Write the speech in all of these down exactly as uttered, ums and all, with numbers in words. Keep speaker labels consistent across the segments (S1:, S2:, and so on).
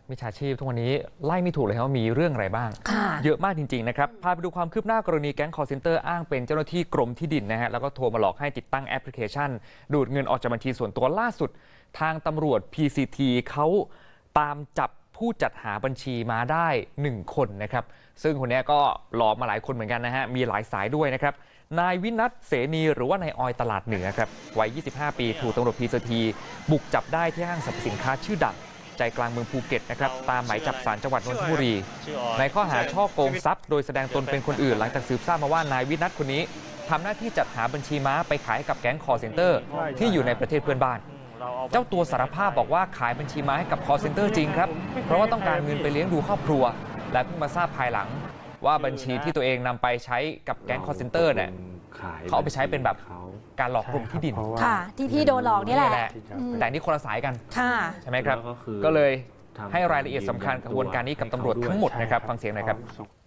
S1: มิจฉาชีพทุกวันนี้ไล่ไม่ถูกเลยครับว่ามีเรื่องอะไรบ้างเยอะมากจริงๆนะครับพาไปดูความคืบหน้ากรณีแก๊งคอลเซ็นเตอร์อ้างเป็นเจ้าหน้าที่กรมที่ดินนะฮะแล้วก็โทรมาหลอกให้ติดตั้งแอปพลิเคชันดูดเงินออกจากบัญชีส่วนตัวล่าสุดทางตำรวจ พี ซี ที เขาตามจับผู้จัดหาบัญชีมาได้หนึ่งคนนะครับซึ่งคนนี้ก็หลอกมาหลายคนเหมือนกันนะฮะมีหลายสายด้วยนะครับนายวินัทเสนีหรือว่านายออยตลาดเหนือครับวัยยี่สิบห้าปีถูกตำรวจ พี ซี ที บุกจับได้ที่ห้างสรรพสินค้าชื่อดังใจกลางเมืองภูเก็ตนะครับตามหมายจับศาลจังหวัดนนทบุรีในข้อหาช่อโกงทรัพย์โดยแสดงตนเป็นคนอื่นหลังจากสืบทราบมาว่านายวินัทคนนี้ทำหน้าที่จัดหาบัญชีม้าไปขายให้กับแก๊งคอลเซ็นเตอร์ที่อยู่ในประเทศเพื่อนบ้านเจ้าตัวสารภาพบอกว่าขายบัญชีม้าให้กับคอลเซ็นเตอร์จริงครับเพราะว่าต้องการเงินไปเลี้ยงดูครอบครัวและเพิ่งมาทราบภายหลังว่าบัญชีที่ตัวเองนำไปใช้กับแก๊งคอลเซ็นเตอร์เนี่ยเขาเอาไปใช้เป็นแบบการหลอกกรมที่ดิน
S2: ค่ะที่พี่โดนหลอกนี่แหละ
S1: แต่นี่คนละสายกันใช่ไหมครับ
S3: ก็
S1: ก็เลยให้รายละเอียดสำคัญกระบวนการนี้กับตำรวจทั้งหมดนะครับฟังเสียงหน่อยครับ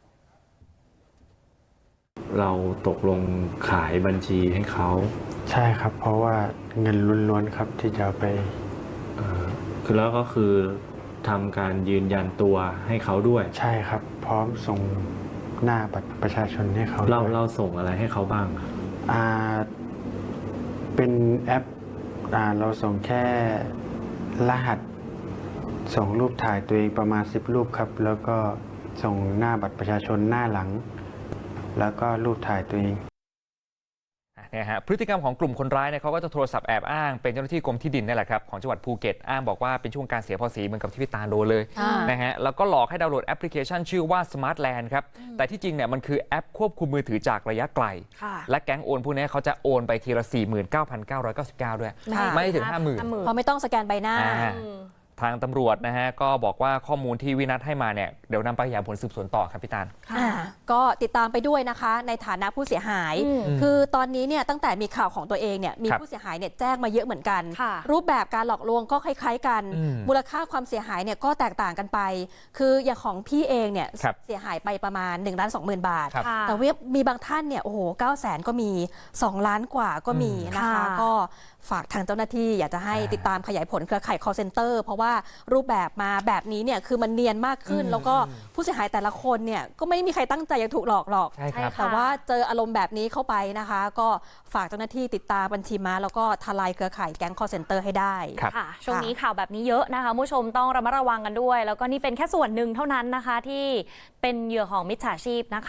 S3: เราตกลงขายบัญชีให้เขา
S4: ใช่ครับเพราะว่าเงินล้วนๆครับที่จะไป
S3: คือแล้วก็คือทำการยืนยันตัวให้เขาด้วย
S4: ใช่ครับพร้อมส่งหน้าบัตรประชาชนให้เขา
S3: เราเราส่งอะไรให้เขาบ้าง
S4: อ่าเป็นแอปอ่าเราส่งแค่รหัสส่งรูปถ่ายตัวเองประมาณสิบรูปครับแล้วก็ส่งหน้าบัตรประชาชนหน้าหลังแล้วก็รูปถ่ายตัวเอง
S1: เนี่ยฮะพฤติกรรมของกลุ่มคนร้ายเนี่ยเขาก็จะโทรศัพท์แอบอ้างเป็นเจ้าหน้าที่กรมที่ดินนี่แหละครับของจังหวัดภูเก็ตอ้างบอกว่าเป็นช่วงการเสียภาษีเหมือนกับที่พี่ตาโดนเลยนะฮะแล้วก็หลอกให้ดาวน์โหลดแอปพลิเคชันชื่อว่า Smart Land ครับแต่ที่จริงเนี่ยมันคือแอปควบคุมมือถือจากระยะไกลและแก๊งโอนพวกนี้เขาจะโอนไปทีละ สี่หมื่นเก้าพันเก้าร้อยเก้าสิบเก้า ด้วยไม่ถึง ห้าหมื่น
S2: เพราะไม่ต้องสแกนใบหน้า
S1: ทางตำรวจนะฮะก็บอกว่าข้อมูลที่วินัทให้มาเนี่ยเดี๋ยวนำไปขยายผลสืบสวนต่อครับพี่ตาล
S2: ก็ติดตามไปด้วยนะคะในฐานะผู้เสียหายคือตอนนี้เนี่ยตั้งแต่มีข่าวของตัวเองเนี่ยมีผู้เสียหายเนี่ยแจ้งมาเยอะเหมือนกันรูปแบบการหลอกลวงก็คล้ายๆกันมูลค่าความเสียหายเนี่ยก็แตกต่างกันไปคืออย่างของพี่เองเนี่ยเสียหายไปประมาณหนึ่งล้านสองหมื่นบาทแต่ว่ามีบางท่านเนี่ยโอ้โหเก้าแสนก็มีสองล้านกว่าก็มีนะคะก็ฝากทางเจ้าหน้าที่อยากจะให้ติดตามขยายผลเครือข่าย call center เพราะว่ารูปแบบมาแบบนี้เนี่ยคือมันเนียนมากขึ้นแล้วก็ผู้เสียหายแต่ละคนเนี่ยก็ไม่มีใครตั้งใจจะถูกหลอกหรอกแต่ว่าเจออารมณ์แบบนี้เข้าไปนะคะก็ฝากเจ้าหน้าที่ติดตามบัญชีม้าแล้วก็ทลายเครือข่ายแก๊ง call center ให้ได้
S5: ค่ะช่วงนี้ข่าวแบบนี้เยอะนะคะผู้ชมต้องระมัดระวังกันด้วยแล้วก็นี่เป็นแค่ส่วนหนึ่งเท่านั้นนะคะที่เป็นเหยื่อของมิจฉาชีพนะคะ